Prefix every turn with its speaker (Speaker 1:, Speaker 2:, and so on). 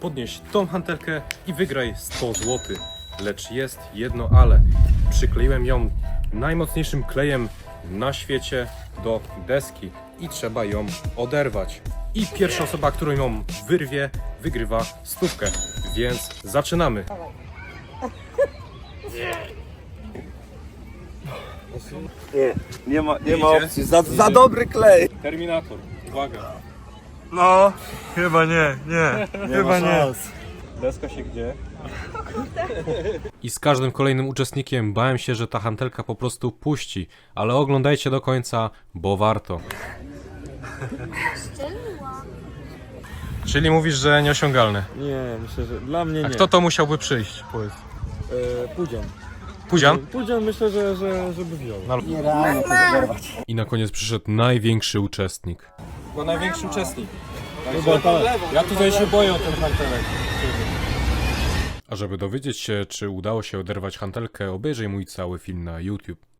Speaker 1: podnieść tą hantelkę i wygraj 100 zł. Lecz jest jedno ale. Przykleiłem ją najmocniejszym klejem na świecie do deski i trzeba ją oderwać. I pierwsza osoba, którą ją wyrwie, wygrywa 100. Więc zaczynamy.
Speaker 2: Nie ma opcji, za dobry klej.
Speaker 1: Terminator, uwaga.
Speaker 3: No, chyba nie. Chyba nie.
Speaker 1: Deska się gdzie? I z każdym kolejnym uczestnikiem bałem się, że ta hantelka po prostu puści, ale oglądajcie do końca, bo warto. Czyli mówisz, że nieosiągalne.
Speaker 3: Nie, myślę, że dla mnie nie.
Speaker 1: A kto to musiałby przyjść? Powiedz.
Speaker 3: Pudzian.
Speaker 1: Pudzian?
Speaker 3: Pudzian myślę, żeby wziął.
Speaker 2: Nierealnie to oderwać.
Speaker 1: I na koniec przyszedł największy uczestnik.
Speaker 3: Bo największy uczestnik.
Speaker 1: Ja tutaj się boję o ten hantelek. A żeby dowiedzieć się, czy udało się oderwać hantelkę, obejrzyj mój cały film na YouTube.